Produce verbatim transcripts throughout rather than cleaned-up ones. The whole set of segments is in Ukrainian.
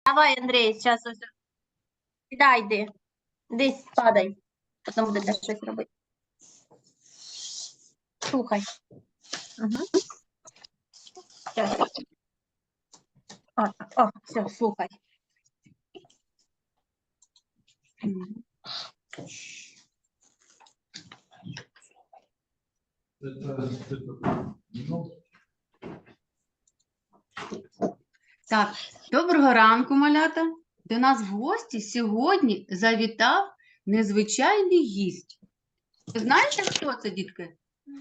Давай, Андрій, зараз ось. Да, йди. Десь падай. Потім будете щось робити. Слухай. Угу. Сейчас. О, о, все, слухай. Так, доброго ранку, малята. До нас в гості сьогодні завітав незвичайний гість. Ви знаєте, хто це, дітки?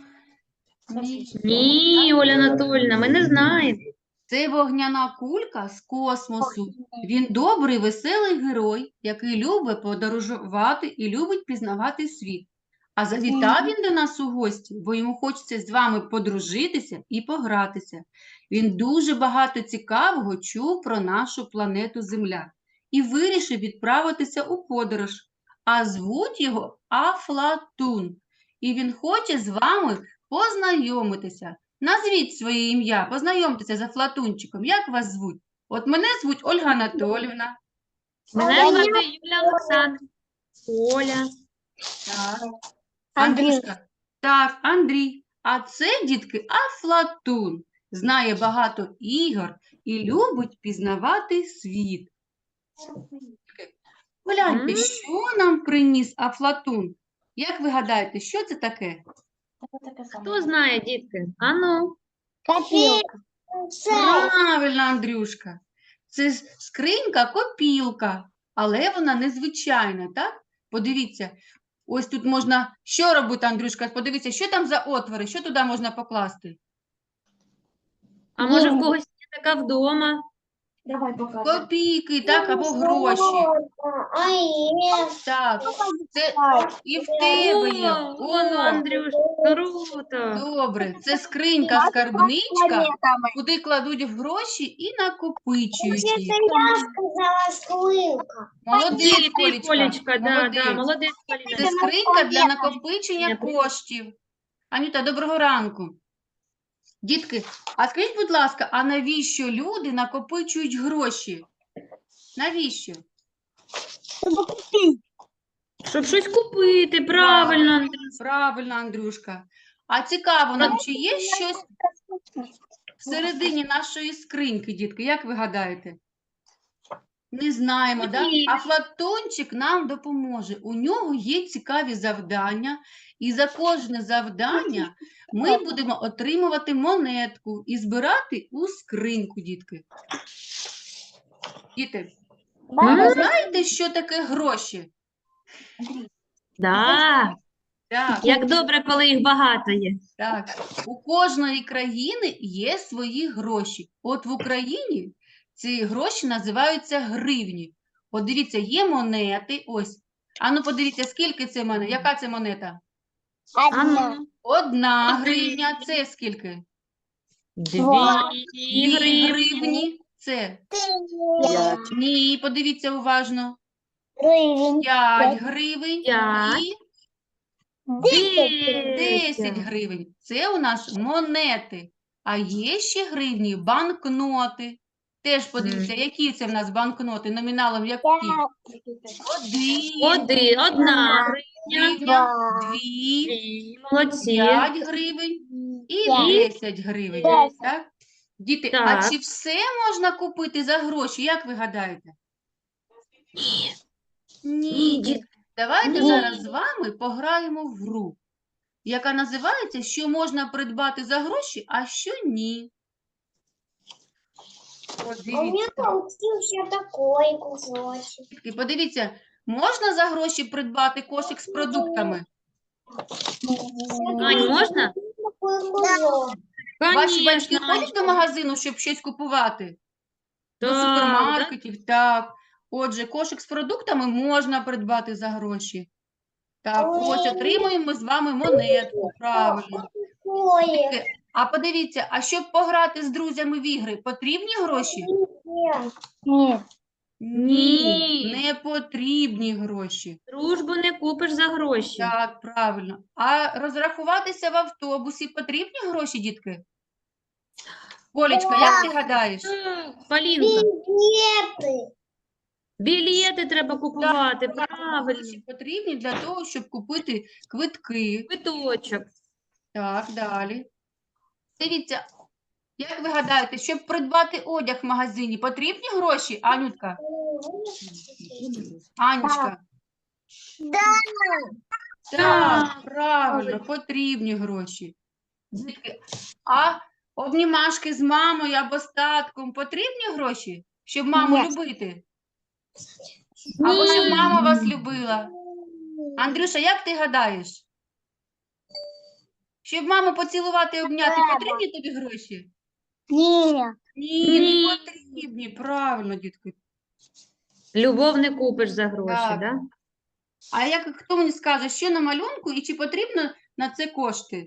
Ні, Оля Анатольевна, ми не знаємо. Це вогняна кулька з космосу. Він добрий, веселий герой, який любить подорожувати і любить пізнавати світ. А завітав він до нас у гості, бо йому хочеться з вами подружитися і погратися. Він дуже багато цікавого чув про нашу планету Земля і вирішив відправитися у подорож. А звуть його Афлатун. І він хоче з вами познайомитися. Назвіть своє ім'я, познайомтеся з Афлатунчиком. Як вас звуть? От мене звуть Ольга Анатолівна. Мене звати Юлія Олександрівна. Оля. Так. Андрій. Андрюшка. Так, Андрій. А це, дітки, Афлатун. Знає багато ігор і любить пізнавати світ. Погляньте, М. що нам приніс Афлатун? Як ви гадаєте, що це таке? Хто знає, дітки? Ану. Копілка. Правильно, Андрюшка. Це ж скринька-копілка, але вона незвичайна, так? Подивіться, ось тут можна, що робити, Андрюшка? Подивіться, що там за отвори, що туди можна покласти? А може в когось є така вдома? Давай показуй. Копійки, так, або гроші. Так, це і в тебе є. О, воно, О, Андрюш, круто. добре, це скринька, скарбничка, куди кладуть гроші і накопичують їх. Я сказала скринка. Молодець, Ти, Колечка, Колечка, да, молодець. да, молодець, Це Поліна. скринька для накопичення Ні, привіт. коштів. Анюта, доброго ранку. Дітки, а скажіть, будь ласка, а навіщо люди накопичують гроші? Навіщо? Щоб щось купити, правильно, Андрюш. Правильно, Андрюшка. А цікаво нам, чи є щось всередині нашої скриньки, дітки? Як ви гадаєте? Не знаємо, да? Ні. А Флатончик нам допоможе. У нього є цікаві завдання, і за кожне завдання ми будемо отримувати монетку і збирати у скриньку, дітки. Діти, а ви знаєте, що таке гроші? Да. Так, Як добре, коли їх багато є. так. У кожної країни є свої гроші. От в Україні ці гроші називаються гривні. От дивіться, є монети, ось. А ну подивіться, скільки це монет? Яка це монета? Ану. Одна гривня, це скільки? Дві Дві гривні. гривні, це. Ні, подивіться уважно. Гривень. П'ять гривень П'ять. і Десять. десять гривень. Це у нас монети. А є ще гривні банкноти. Теж подивіться, які це в нас банкноти, номіналом які? Один, Один, одна гривня. гривня, дві, Дві. Молодці. п'ять гривень і десять гривень. Десять. Так? Діти, а Так. чи все можна купити за гроші? Як ви гадаєте? Ні. Ні, Ні. дітки. Давайте Ні. зараз з вами пограємо в гру, яка називається «Що можна придбати за гроші, а що ні». От У меня дивіться, получился такой кусочек. дітки, подивіться, можна за гроші придбати кошик з продуктами? Ань, можна? Такой кусок. Ваші батьки Конечно. ходять до магазину, щоб щось купувати? До Так, супермаркетів? Так. Отже, кошик з продуктами можна придбати за гроші. Так, ось отримуємо ми з вами монетку, правильно. Такое. Дітки, а подивіться, а щоб пограти з друзями в ігри, потрібні гроші? Нет. Ні. Не потрібні гроші. Дружбу не купиш за гроші. Так, правильно. А розрахуватися в автобусі потрібні гроші, дітки? Колечка, як ти гадаєш? Так, Полінка, білети треба купувати, Так, правильно. гроші потрібні для того, щоб купити квитки. Квиточок. Так, далі. Дивіться, як ви гадаєте, щоб придбати одяг в магазині, потрібні гроші, Анютка? Анечка? Так, правильно, потрібні гроші. Дітки, а обнімашки з мамою або з татком потрібні гроші, щоб маму Ні. любити? Або щоб Ні. мама вас любила? Андрюша, як ти гадаєш? Щоб маму поцілувати і обняти, Треба. потрібні тобі гроші? Ні. Ні, Ні. не потрібні. Правильно, дітки. Любов не купиш за гроші, Так. да? А як хто мені скаже, що на малюнку і чи потрібно на це кошти?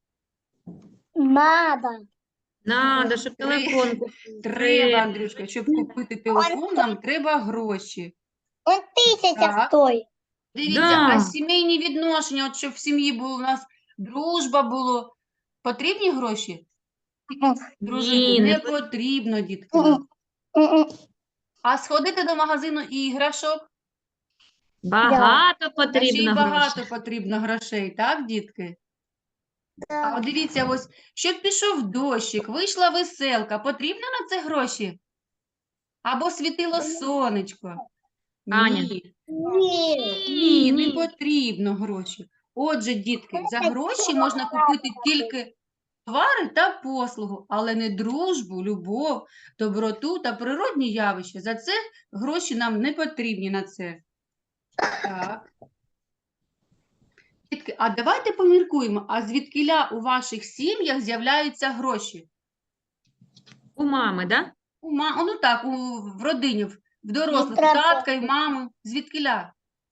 Надо. Надо, щоб Три- телефон купити. Треба, Андрюшка, щоб купити телефон, нам треба гроші. Он тисяча Так. стоїть. Дивіться, Да. а сімейні відношення, от щоб в сім'ї було у нас дружба було, потрібні гроші? Дружити Ні, не не потрібно, дітки. нам. А сходити до магазину іграшок, Багато та ще й потрібно багато грошей. потрібно грошей, так, дітки? А от дивіться, ось, щоб пішов дощик, вийшла веселка, потрібно на це гроші? Або світило сонечко? Аня. Ні. Ні. Ні, не Ні. потрібно гроші. Отже, дітки, за гроші можна купити тільки товари та послугу, але не дружбу, любов, доброту та природні явища. За це гроші нам не потрібні на це. Так. Дітки, а давайте поміркуємо, а звідкіля у ваших сім'ях з'являються гроші? У мами, да? У ма... Ну так, у... в родині, в в дорослих, у треба. татка і мами. Звідкіля?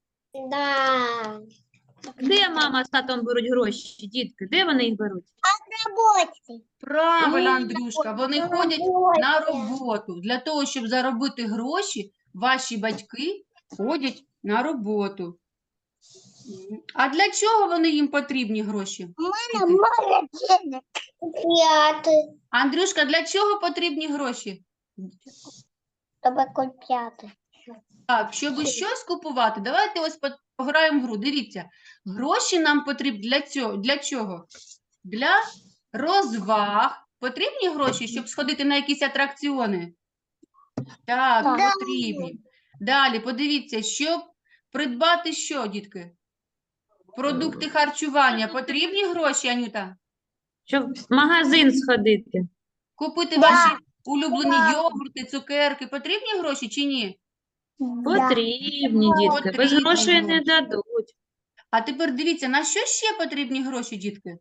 Да. Де мама з татом беруть гроші, дітки? Де вони їх беруть? Роботі. Правильно, Ой, Андрюшка, вони на ходять роботі. на роботу. Для того, щоб заробити гроші, ваші батьки ходять на роботу. М. А для чого вони їм потрібні гроші? Мене мало денег. П'яти. Андрюшка, для чого потрібні гроші? Тебе купляти. Так, щоб щось купувати, давайте ось по- пограємо в гру. Дивіться, гроші нам потрібні для цього. Для чого? Для розваг. Потрібні гроші, щоб сходити на якісь атракціони? Так, Так. потрібні. Далі, подивіться, щоб придбати що, дітки? Продукти харчування. Потрібні гроші, Анюта? Щоб в магазин сходити. Купити Да. ваші улюблені йогурти, цукерки. Потрібні гроші чи ні? Потрібні, дітки. Без Потрібні грошей не гроші. дадуть. А тепер дивіться, на що ще потрібні гроші, дітки?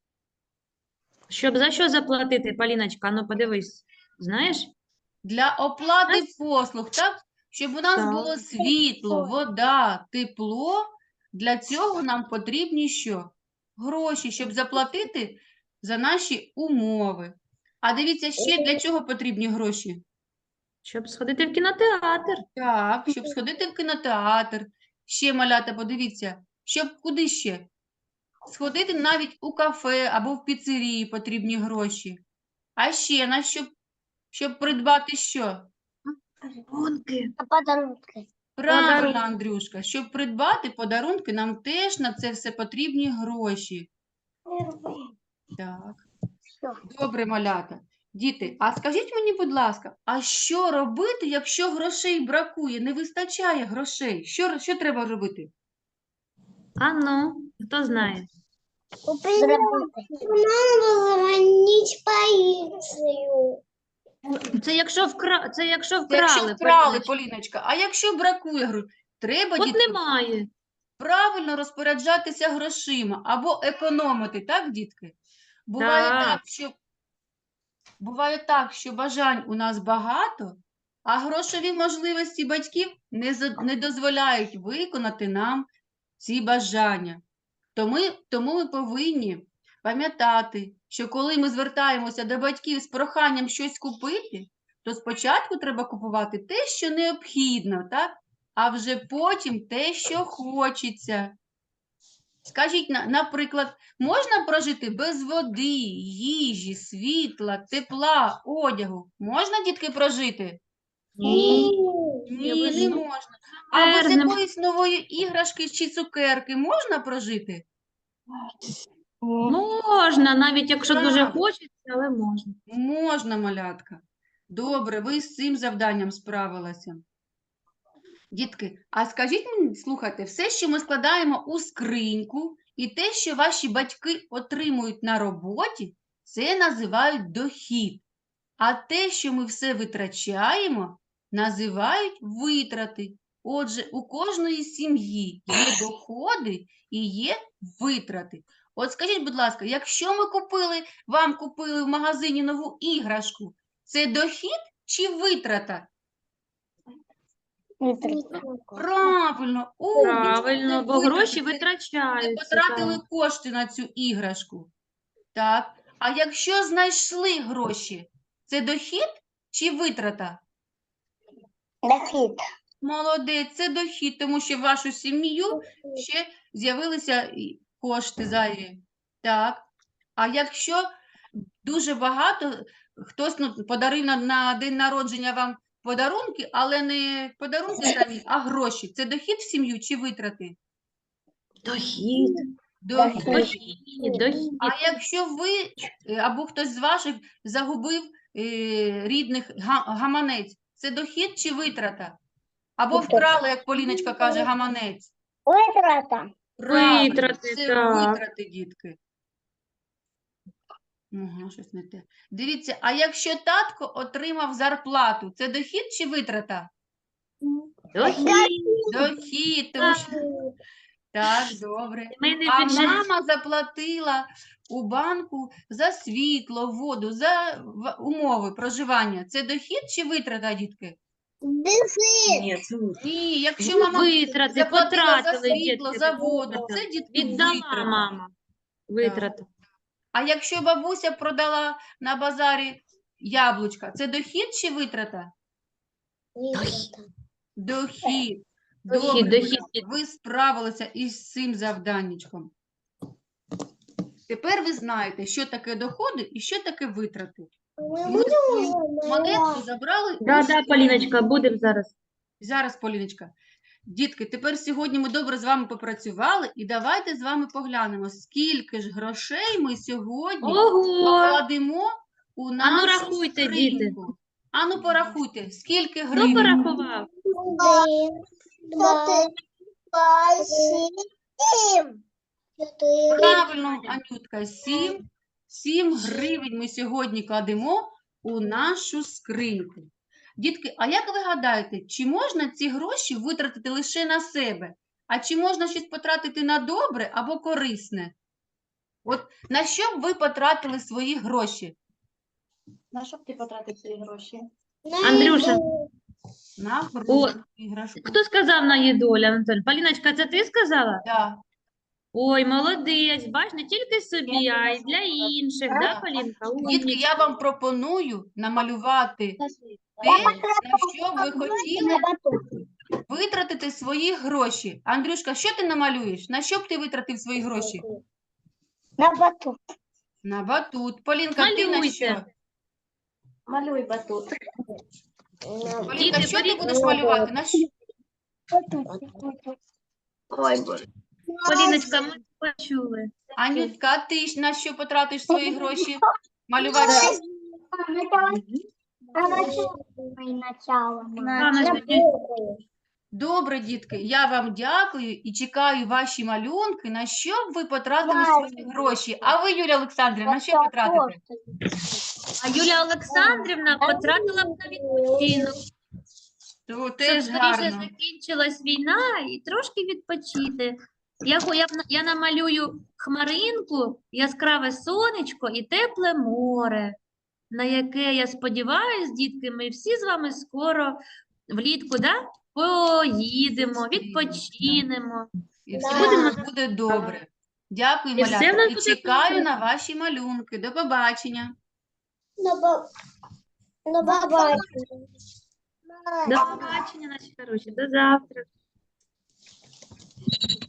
Щоб за що заплатити, Поліночка? Ну, подивись. Знаєш? Для оплати послуг, так? Щоб у нас Так. було світло, вода, тепло. Для цього нам потрібні що? Гроші, щоб заплатити за наші умови. А дивіться, ще для чого потрібні гроші? Щоб сходити в кінотеатр. Так, щоб сходити в кінотеатр. Ще, малята, подивіться, щоб куди ще? Сходити навіть у кафе або в піцерії потрібні гроші. А ще на що? Щоб придбати що? Гонки. А подарунки. Правильно, Подарунки. Андрюшка. Щоб придбати подарунки, нам теж на це все потрібні гроші. Так. Добре, малята. Діти, а скажіть мені, будь ласка, а що робити, якщо грошей бракує, не вистачає грошей? Що, що треба робити? А ну, хто знає? Надо звонить полицию. Це якщо вкра... це якщо Це якщо вкрали, вкрали, Поліночка. Поліночка, а якщо бракує грошей? Треба, От дітки, немає. правильно розпоряджатися грошима або економити, так, дітки? Буває Так. так, що буває так, що бажань у нас багато, а грошові можливості батьків не, за- не дозволяють виконати нам ці бажання. Тому, тому ми повинні пам'ятати, що коли ми звертаємося до батьків з проханням щось купити, то спочатку треба купувати те, що необхідно, так? А вже потім те, що хочеться. Скажіть, на- наприклад, можна прожити без води, їжі, світла, тепла, одягу? Можна, дітки, прожити? Ні. Ні, без не ну, можна. А без мерзнемо. якоїсь нової іграшки чи цукерки можна прожити? Можна, навіть якщо дуже Правильно. хочеться, але можна. Можна, малятка. Добре, ви з цим завданням справилися. Дітки, а скажіть мені, слухайте, все, що ми складаємо у скриньку, і те, що ваші батьки отримують на роботі, це називають дохід. А те, що ми все витрачаємо, називають витрати. Отже, у кожної сім'ї є доходи і є витрати. От скажіть, будь ласка, якщо ми купили, вам купили в магазині нову іграшку, це дохід чи витрата? Правильно, умнічка, Правильно, це бо гроші витрати, це ви витрачаються. потратили так. кошти на цю іграшку. Так. А якщо знайшли гроші, це дохід чи витрата? Дохід. Молодець, це дохід, тому що в вашу сім'ю ще з'явилися і кошти зайві. Так. А якщо дуже багато, хтось ну, подарив на, на день народження вам подарунки, але не подарунки самі, а гроші. Це дохід в сім'ю чи витрати? Дохід. Дохід. Дохід, дохід. А якщо ви е, або хтось з ваших загубив е, рідних га- гаманець, це дохід чи витрата? Або Витрата. вкрали, як Поліночка каже, гаманець. Витрата. Правильно, Витрати, це так. витрати, дітки. Ага, щось не те. Дивіться, а якщо татко отримав зарплату, це дохід чи витрата? Дохід. Дохід, тому що... Так, добре. Сімейний А бюджет. мама заплатила у банку за світло, воду, за в- умови проживання. Це дохід чи витрата, дітки? Дохід. Ні, це Ні, якщо мама витрати, заплатила за потратили світло, дітки. за це воду, витрата. це, дітки, Віддала витрата. мама. Витрати. А якщо бабуся продала на базарі яблучка, це дохід чи витрата? Витрата. Дохід. Дохід, Добре, дохід. Оля, ви справилися із цим завданнячком. Тепер ви знаєте, що таке доходи і що таке витрати. Ми свою монетку забрали. Да, у да, школі. Поліночка, будемо зараз. Зараз, Поліночка. Дітки, тепер сьогодні ми добре з вами попрацювали і давайте з вами поглянемо, скільки ж грошей ми сьогодні Ого! покладемо у Ану, нашу рахуйте, діти. скриньку. Ану, порахуйте, скільки Хто гривень? порахував? Один, два, два, сім. Чотири. Правильно, Анютка, сім, сім гривень ми сьогодні кладемо у нашу скриньку. Дітки, а як ви гадаєте, чи можна ці гроші витратити лише на себе? А чи можна щось потратити на добре або корисне? От на що б ви потратили свої гроші? На що б ти потратив свої гроші? Андрюша. На О, гру, іграшку. Хто сказав на їду, Оля Анатольовна? Поліночка, це ти сказала? Да. Ой, молодець, бач, не тільки собі, а й для інших, да, Полінка? Дітки, Умнічка. я вам пропоную намалювати те, на що б ви хотіли витратити свої гроші. Андрюшка, що ти намалюєш? На що б ти витратив свої гроші? На батут. На батут. Полінка, ти на Малюйте. що? Малюй батут. Полінка, Діти, що ти беріть будеш малювати? На що? Ой, Боже. Поліночка, ми почули. Анютка, а ти ж на що потратиш свої гроші? Малювати що? Начало. Начало. Добре, дітки, я вам дякую і чекаю ваші малюнки, на що б ви потратили свої гроші. А ви, Юлія Олександрівна, на що потратите? А Юлія Олександрівна потратила б на відпочинок. То Щоб теж скоріше гарно. закінчилась війна і трошки відпочити. Я, хо- я, б на- я намалюю хмаринку, яскраве сонечко і тепле море, на яке, я сподіваюся, дітки, ми всі з вами скоро влітку, да? Поїдемо, відпочинемо. І все Да. у нас буде добре. Дякую, І все в малятка. нас І буде чекаю добре. на ваші малюнки. До побачення. На побачення. До побачення, наші хороші, до завтра.